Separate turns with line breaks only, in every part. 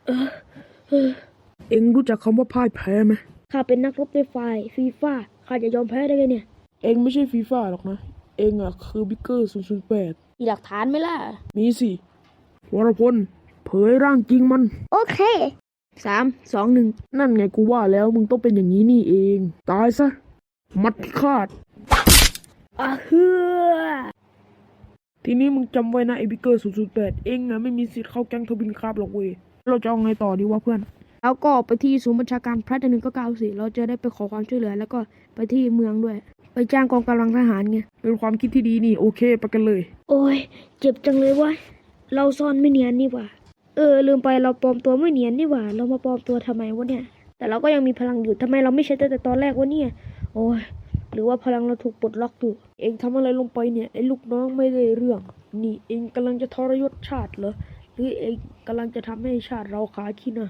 เออเออเอ็งรู้จักคำว่าพ่ายแพ้ไหม
ข้าเป็นนักรบในฝ่ายฟีฟ่าข้าจะยอมแพ้ได้ไงเนี่ย
เอ็งไม่ใช่ฟีฟ่าหรอกนะเอ็งอ่ะคือบิ๊กเกอร์008
มีหลักฐานไหมล่ะ
มีสิวรพลเผยร่างจริงมัน
โอเค3 2 1
นั่นไงกูว่าแล้วมึงต้องเป็นอย่างนี้นี่เองตายซะมัดพิฆาต
เฮือ
ทีนี้มึงจำไว้นะไอ้บิ๊กเกอร์008เอ็งอ่ะไม่มีสิทธิ์เข้าแก๊งทวินคราบหรอกเว้ยเราจะเอาไงต่อดีวะเพื่อน
แล้วก็ไปที่ศูนย์บัญชาการพระจันทร์1994เราจะได้ไปขอความช่วยเหลือแล้วก็ไปที่เมืองด้วยไปจ้างกองกำลังทหารไง
เป็นความคิดที่ดีนี่โอเคไปกันเลย
โอ้ยเจ็บจังเลยวะเราซ่อนไม่เนียนนี่หว่าลืมไปเราปลอมตัวไม่เนียนนี่หว่าเรามาปลอมตัวทำไมวะเนี่ยแต่เราก็ยังมีพลังอยู่ทำไมเราไม่ใช้ตั้งแต่ตอนแรกวะเนี่ยโอ้ยหรือว่าพลังเราถูกปลดล็อกอยู่
เอ็งทำอะไรลงไปเนี่ยไอ้ลูกน้องไม่ได้เรื่องนี่เอ็งกำลังจะทรยศชาติเหรอหรือเอ็งกำลังจะทำให้ชาติเราขาขี้หน้า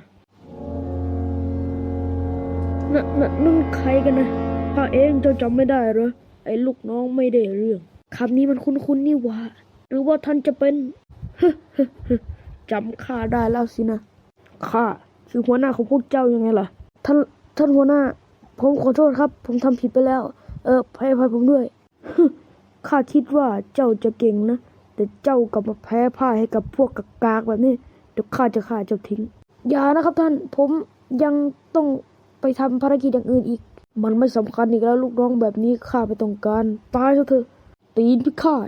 นั่นใครกันนะ
ถ้าเองจะจำไม่ได้เหรอไอ้ลูกน้องไม่ได้เรื่อง
คำนี้มันคุ้นๆนี่หว่าหรือว่าท่านจะเป็น
จำข้าได้แล้วสินะข้าคือหัวหน้าของพวกเจ้ายังไงล่ะ
ท่านหัวหน้าผมขอโทษครับผมทำผิดไปแล้วให้อภัยผมด้วย
ข้าคิดว่าเจ้าจะเก่งนะแต่เจ้ากลับมาแพ้พ่ายให้กับพวกกากๆแบบนี้เดี๋ยวข้าจะฆ่าเจ้าทิ้ง
อย่านะครับท่านผมยังต้องไปทำภารกิจอย่างอื่นอีก
มันไม่สำคัญอีกแล้วลูกน้องแบบนี้ข้าไม่ต้องการตายซะเถอะตีนพิฆาต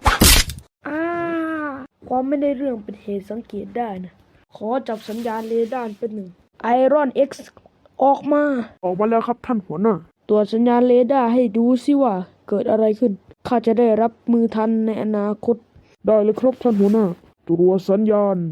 ความไม่ได้เรื่องเป็นเหตุสังเกตได้นะขอจับสัญญาณเรดาร์เป็น1 Iron X ออกมาแล้วครับท่านหัวหน้าตรวจสัญญาณเรดาร์ให้ดูสิว่าเกิดอะไรขึ้นข้าจะได้รับมือทันในอนาคตได้เลยครับท่านหัวหน้าตรวจสัญญาณ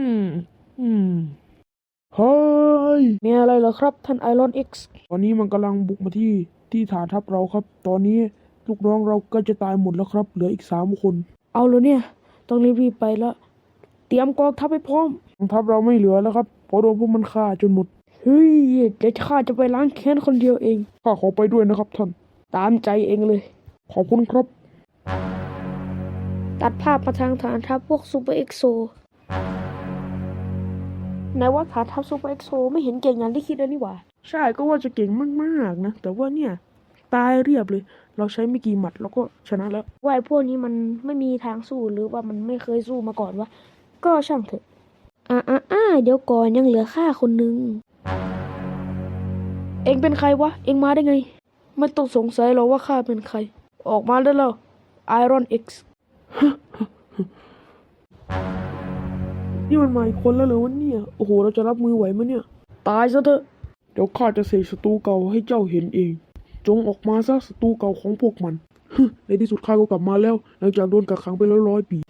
เฮ้ยมีอะไรเหรอครับท่าน Iron X ตอนนี้มันกำลังบุกมาที่ฐานทัพเราครับตอนนี้ลูกน้องเราก็จะตายหมดแล้วครับเหลืออีก3 คนเอาเลยเนี่ยต้องรีบไปแล้วเตรียมกองทัพให้พร้อมกองทัพเราไม่เหลือแล้วครับเพราะโดนพวกมันฆ่าจนหมดเฮ้ยเดี๋ยวข้าจะไปล้างแค้นคนเดียวเองข้าขอไปด้วยนะครับท่านตามใจเองเลยขอบคุณครับ
ตัดภาพมาทางฐานทัพพวกซูเปอร์เอ็กโซไหนว่าฐานทัพซูเปอร์เอ็กโซไม่เห็นเก่งอย่างที่คิดเลยนี่หว่า
ใช่ก็ว่าจะเก่งมากๆนะแต่ว่าเนี่ยตายเรียบเลยเราใช้ไม่กี่หมัดแล้วก็ชนะแล้ว
ว่าไอ้พวกนี้มันไม่มีทางสู้หรือว่ามันไม่เคยสู้มาก่อนวะก็ช่างเถอะเดี๋ยวก่อนยังเหลือข้าคนนึง
เอ็งเป็นใครวะเอ็งมาได้ไงไม่ต้องสงสัยหรอกว่าข้าเป็นใครออกมาได้แล้ว Iron X นี่มันมาอีกคนแล้วเหรอวะเนี่ยโอ้โหเราจะรับมือไหวไหมเนี่ยตายซะเถอะเดี๋ยวข้าจะเสกศัตรูเก่าให้เจ้าเห็นเองจงออกมาซะศัตรูเก่าของพวกมันในที่สุดข้าก็กลับมาแล้วหลังจากโดนกักขังไปแล้ว100 ปี